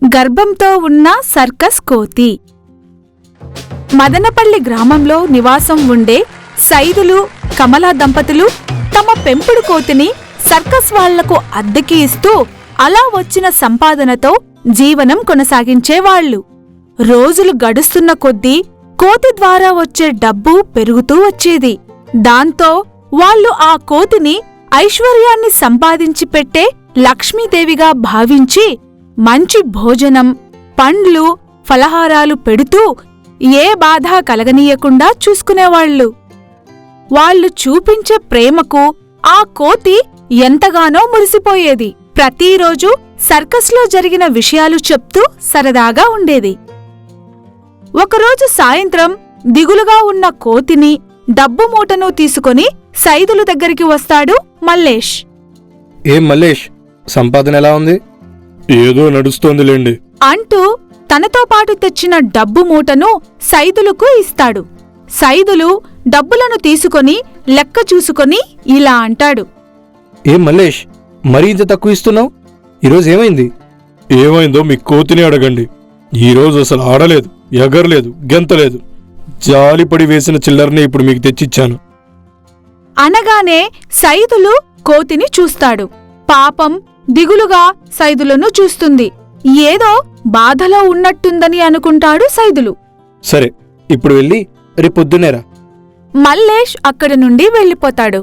గర్భంతో ఉన్న సర్కస్ కోతి. మదనపల్లి గ్రామంలో నివాసం ఉండే సైదులు, కమలా దంపతులు తమ పెంపుడు కోతిని సర్కస్ వాళ్లకు అద్దెకి ఇస్తూ అలా వచ్చిన సంపాదనతో జీవనం కొనసాగించేవాళ్లు. రోజులు గడుస్తున్న కొద్దీ కోతి ద్వారా వచ్చే డబ్బు పెరుగుతూ వచ్చేది. దాంతో వాళ్లు ఆ కోతిని ఐశ్వర్యాన్ని సంపాదించి పెట్టే లక్ష్మీదేవిగా భావించి మంచి భోజనం, పండ్లు, ఫలహారాలు పెడుతూ ఏ బాధ కలగనీయకుండా చూసుకునేవాళ్లు. వాళ్లు చూపించే ప్రేమకు ఆ కోతి ఎంతగానో మురిసిపోయేది. ప్రతిరోజు సర్కస్లో జరిగిన విషయాలు చెప్తూ సరదాగా ఉండేది. ఒకరోజు సాయంత్రం దిగులుగా ఉన్న కోతిని, డబ్బు మూటను తీసుకుని సైదులు దగ్గరికి వస్తాడు మల్లేష్. ఏం మల్లేష్, సంపాదన ఎలా ఉంది? ఏదో నడుస్తోందిలేండి అంటూ తనతో పాటు తెచ్చిన డబ్బు మూటను సైదులకు ఇస్తాడు. సైదులు డబ్బులను తీసుకొని లెక్క చూసుకొని ఇలా అంటాడు. ఏం మల్లేష్, మరీ ఇంత తక్కువ ఇస్తున్నావు? ఈరోజు ఏమైంది? ఏమైందో మీ కోతిని అడగండి. ఈరోజు అసలు ఆడలేదు, ఎగరలేదు, గెంతలేదు. జాలిపడి వేసిన చిల్లరనే ఇప్పుడు మీకు తెచ్చిచ్చాను. అనగానే సైదులు కోతిని చూస్తాడు. పాపం దిగులుగా సైదులను చూస్తుంది. ఏదో బాధలో ఉన్నట్టుందని అనుకుంటాడు సైదులు. సరే, ఇప్పుడు వెళ్ళి రేపొద్దునేరా. మల్లేష్ అక్కడి నుండి వెళ్ళిపోతాడు.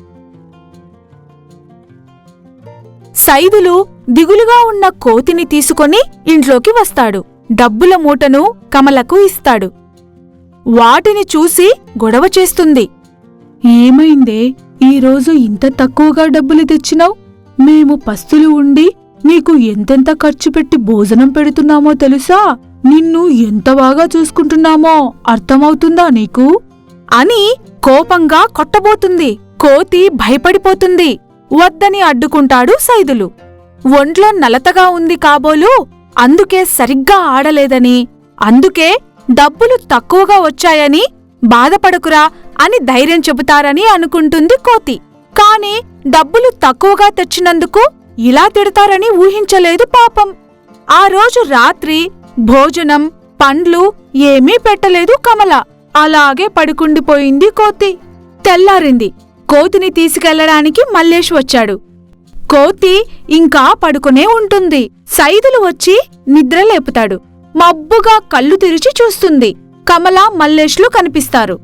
సైదులు దిగులుగా ఉన్న కోతిని తీసుకొని ఇంట్లోకి వస్తాడు. డబ్బుల మూటను కమలకు ఇస్తాడు. వాటిని చూసి గొడవ చేస్తుంది. ఏమైందే, ఈరోజు ఇంత తక్కువగా డబ్బులు తెచ్చినావు? మేము పస్తులు ఉండి నీకు ఎంతెంత ఖర్చు పెట్టి భోజనం పెడుతున్నామో తెలుసా? నిన్ను ఎంత బాగా చూసుకుంటున్నామో అర్థమవుతుందా నీకు? అని కోపంగా కొట్టబోతుంది. కోతి భయపడిపోతుంది. వద్దని అడ్డుకుంటాడు సైదులు. ఒంట్లో నలతగా ఉంది కాబోలు, అందుకే సరిగ్గా ఆడలేదని, అందుకే డబ్బులు తక్కువగా వచ్చాయని బాధపడకురా అని ధైర్యం చెబుతారని అనుకుంటుంది కోతి. కాని డబ్బులు తక్కువగా తెచ్చినందుకు ఇలా తిడతారని ఊహించలేదు పాపం. ఆ రోజు రాత్రి భోజనం, పండ్లు ఏమీ పెట్టలేదు కమల. అలాగే పడుకుండిపోయింది కోతి. తెల్లారింది. కోతిని తీసుకెళ్లడానికి మల్లేష్ వచ్చాడు. కోతి ఇంకా పడుకునే ఉంటుంది. సైదులు వచ్చి నిద్రలేపుతాడు. మబ్బుగా కళ్ళు తెరిచి చూస్తుంది. కమల, మల్లేష్లు కనిపిస్తారు.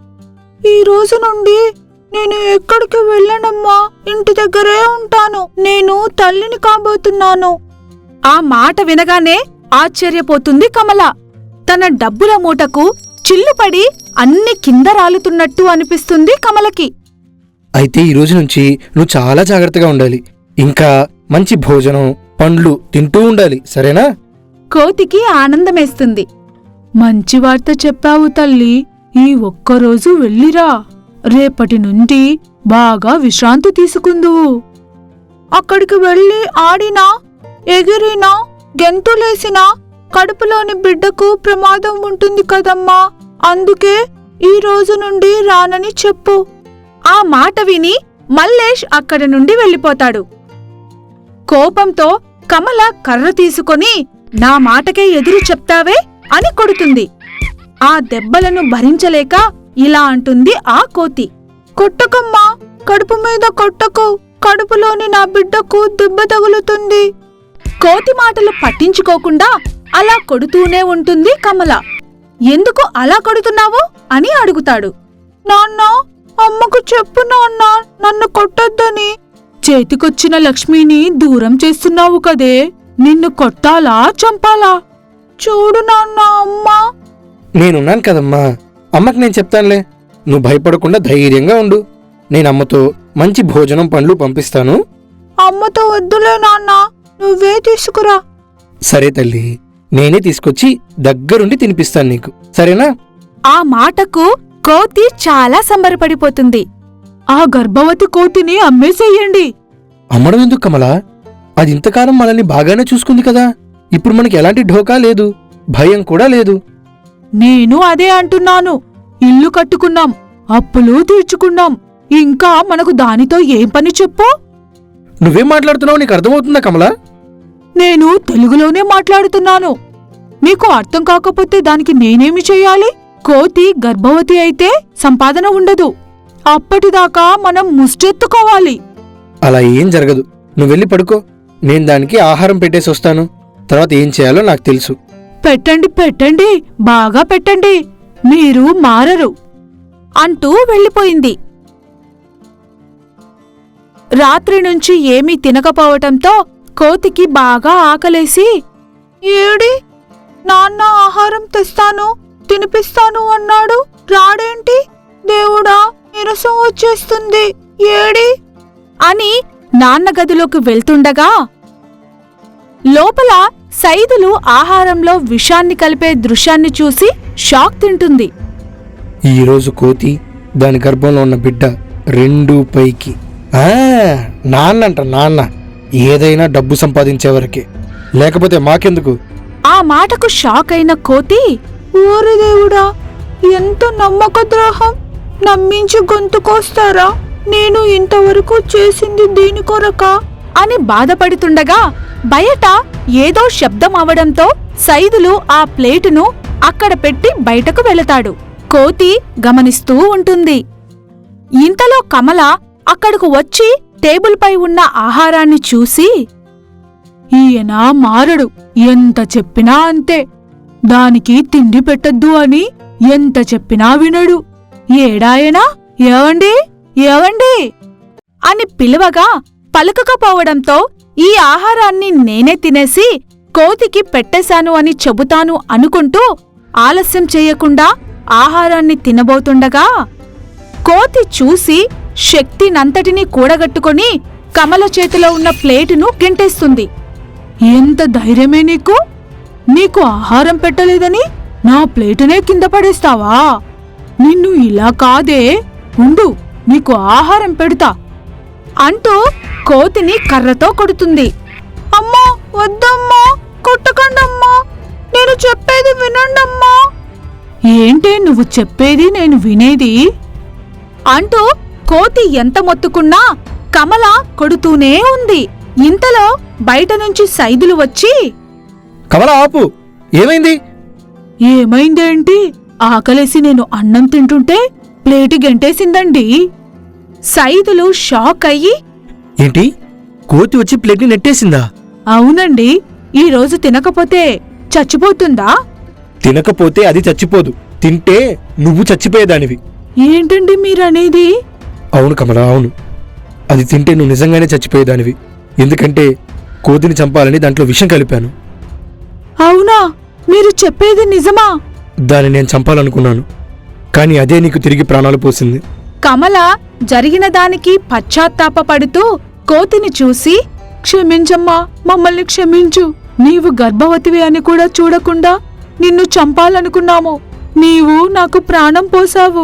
ఈ రోజు నుండి నేను ఎక్కడికి వెళ్ళనమ్మా, ఇంటి దగ్గరే ఉంటాను. నేను తల్లిని కాబోతున్నాను. ఆ మాట వినగానే ఆశ్చర్యపోతుంది కమల. తన డబ్బుల మూటకు చిల్లుపడి అన్ని కింద రాలుతున్నట్టు అనిపిస్తుంది కమలకి. అయితే ఈ రోజు నుంచి నువ్వు చాలా జాగ్రత్తగా ఉండాలి. ఇంకా మంచి భోజనం, పండ్లు తింటూ ఉండాలి, సరేనా? కోతికి ఆనందమేస్తుంది. మంచి వార్త చెప్పావు తల్లి. ఈ ఒక్కరోజు వెళ్ళిరా. రేపటి నుండి బాగా విశ్రాంతి తీసుకుందువు. అక్కడికి వెళ్ళి ఆడినా, ఎగిరినా, గెంతులేసినా కడుపులోని బిడ్డకు ప్రమాదం ఉంటుంది కదమ్మా. అందుకే ఈ రోజు నుండి రానని చెప్పు. ఆ మాట విని మల్లేష్ అక్కడి నుండి వెళ్ళిపోతాడు. కోపంతో కమల కర్ర తీసుకొని, నా మాటకే ఎదురు చెప్తావే అని కొడుతుంది. ఆ దెబ్బలను భరించలేక ఇలా అంటుంది ఆ కోతి. కొట్టకమ్మా, కడుపు మీద కొట్టకు. కడుపులోని నా బిడ్డకు దెబ్బ తగులుతుంది. కోతి మాటలు పట్టించుకోకుండా అలా కొడుతూనే ఉంటుంది కమల. ఎందుకు అలా కొడుతున్నావు అని అడుగుతాడు. నాన్న, అమ్మకు చెప్పు నాన్న, నన్ను కొట్టొద్దని. చేతికొచ్చిన లక్ష్మిని దూరం చేస్తున్నావు కదే. నిన్ను కొట్టాలా, చంపాలా? చూడు నాన్న, అమ్మా. నేనున్నాను కదమ్మా, అమ్మకి నేను చెప్తానులే. నువ్వు భయపడకుండా ధైర్యంగా ఉండు. నేను అమ్మతో మంచి భోజనం, పండ్లు పంపిస్తాను. అమ్మతో వద్దులే నాన్న, నువ్వే తీసుకురా. సరే తల్లి, నేనే తీసుకొచ్చి దగ్గరుండి తినిపిస్తాను నీకు, సరేనా? ఆ మాటకు కోతి చాలా సంబరపడిపోతుంది. ఆ గర్భవతి కోతిని అమ్మేసేయండి. అమ్మడం ఎందుకు కమలా? అది ఇంతకాలం మనల్ని బాగానే చూసుకుంది కదా. ఇప్పుడు మనకి ఎలాంటి ఢోకా లేదు, భయం కూడా లేదు. నేను అదే అంటున్నాను. ఇల్లు కట్టుకున్నాం, అప్పులు తీర్చుకున్నాం. ఇంకా మనకు దానితో ఏం పని చెప్పు? నువ్వేం మాట్లాడుతున్నావు, నీకు అర్థమవుతుందా కమలా? నేను తెలుగులోనే మాట్లాడుతున్నాను. మీకు అర్థం కాకపోతే దానికి నేనేమి చెయ్యాలి? కోతి గర్భవతి అయితే సంపాదన ఉండదు. అప్పటిదాకా మనం ముష్టెత్తుకోవాలి. అలా ఏం జరగదు. నువ్వు వెళ్ళి పడుకో. నేను దానికి ఆహారం పెట్టేసి వస్తాను. తర్వాత ఏం చేయాలో నాకు తెలుసు. పెట్టండి, పెట్టండి, బాగా పెట్టండి. మీరు మారరు అంటూ వెళ్ళిపోయింది. రాత్రి నుంచి ఏమీ తినకపోవటంతో కోతికి బాగా ఆకలేసి, ఏడి నాన్న ఆహారం తెస్తాను, తినిపిస్తాను అన్నాడు, రాడేంటి? దేవుడా, నీరసం వచ్చేస్తుంది, ఏడి అని నాన్న గదిలోకి వెళ్తుండగా లోపల సైదులు ఆహారంలో విషాన్ని కలిపే దృశ్యాన్ని చూసి షాక్ తింటుంది. ఈరోజు కోతి, దాని గర్భంలో ఉన్న బిడ్డ రెండూ పైకి. నాన్నంట, నాన్న. ఏదైనా డబ్బు సంపాదించే వరకే, లేకపోతే మాకెందుకు? ఆ మాటకు షాక్ అయిన కోతి, ఓరి దేవుడా, ఎంత నమ్మక ద్రోహం! నమ్మించి గొంతుకొస్తారా? నేను ఇంతవరకు చేసింది దీని కొరకా అని బాధపడుతుండగా బయట ఏదో శబ్దం అవడంతో సైదులు ఆ ప్లేటును అక్కడ పెట్టి బయటకు వెళతాడు. కోతి గమనిస్తూ ఉంటుంది. ఇంతలో కమల అక్కడకు వచ్చి టేబుల్పై ఉన్న ఆహారాన్ని చూసి, ఈయన మారడు, ఎంత చెప్పినా అంతే. దానికి తిండి పెట్టద్దు అని ఎంత చెప్పినా వినడు. ఏడాయనా, ఏవండి, ఏవండి అని పిలవగా పలుకకపోవడంతో ఈ ఆహారాన్ని నేనే తినేసి కోతికి పెట్టేశాను అని చెబుతాను అనుకుంటూ ఆలస్యం చెయ్యకుండా ఆహారాన్ని తినబోతుండగా కోతి చూసి శక్తినంతటినీ కూడగట్టుకొని కమల చేతిలో ఉన్న ప్లేటును గెంటేస్తుంది. ఎంత ధైర్యమే నీకు? నీకు ఆహారం పెట్టలేదని నా ప్లేటునే కింద పడేస్తావా? నిన్ను ఇలా కాదే, ఉండు, నీకు ఆహారం పెడతా అంటూ కోతిని కర్రతో కొడుతుంది. అమ్మా, వద్దమ్మా, కొట్టకండమ్మా, నేను చెప్పేది వినండమ్మా. ఏంటే నువ్వు చెప్పేది నేను వినేది అంటూ కోతి ఎంత మొత్తుకున్నా కమల కొడుతూనే ఉంది. ఇంతలో బయట నుంచి సైదులు వచ్చి, కమల ఆపు, ఏమైంది? ఏమైందేంటి? ఆకలేసి నేను అన్నం తింటుంటే ప్లేటు గెంటేసిందండి. సైదులు షాక్ అయ్యి, ఏంటి, కోతి వచ్చి ప్లేట్ని నెట్టేసిందా? అవునండి, ఈరోజు తినకపోతే చచ్చిపోతుందా? తినకపోతే అది చచ్చిపోదు, తింటే నువ్వు చచ్చిపోయేదానివి. ఏంటండి మీరనేది? అవును కమల, అవును. అది తింటే నువ్వు నిజంగానే చచ్చిపోయేదానివి. ఎందుకంటే కోతిని చంపాలని దాంట్లో విషం కలిపాను. అవునా? మీరు చెప్పేది నిజమా? దాన్ని నేను చంపాలనుకున్నాను, కానీ అదే నీకు తిరిగి ప్రాణాలు పోసింది. కమల జరిగిన దానికి పశ్చాత్తాపపడుతూ కోతిని చూసి, క్షమించమ్మా, మమ్మల్ని క్షమించు. నీవు గర్భవతివి అని కూడా చూడకుండా నిన్ను చంపాలనుకున్నాము. నీవు నాకు ప్రాణం పోసావు.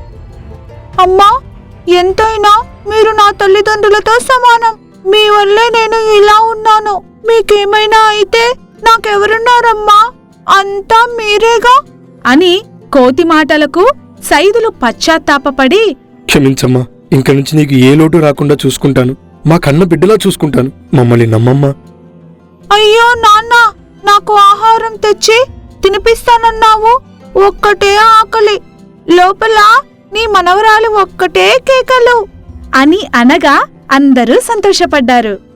అమ్మా, ఎంతైనా మీరు నా తల్లిదండ్రులతో సమానం. మీ వల్లే నేను ఇలా ఉన్నాను. మీకేమైనా అయితే నాకెవరున్నారమ్మా? అంతా మీరేగా అని కోతి మాటలకు సైదులు పశ్చాత్తాపపడి, క్షమించమ్మా, ఇంక నుంచి నీకు ఏ లోటు రాకుండా చూసుకుంటాను. మా కన్న బిడ్డలా చూసుకుంటాను. మమ్మల్ని నమ్మమ్మా. అయ్యో నాన్న, నాకు ఆహారం తెచ్చి తినిపిస్తానన్నావు. ఒక్కటే ఆకలి, లోపల నీ మనవరాలు ఒక్కటే కేకలు అని అనగా అందరూ సంతోషపడ్డారు.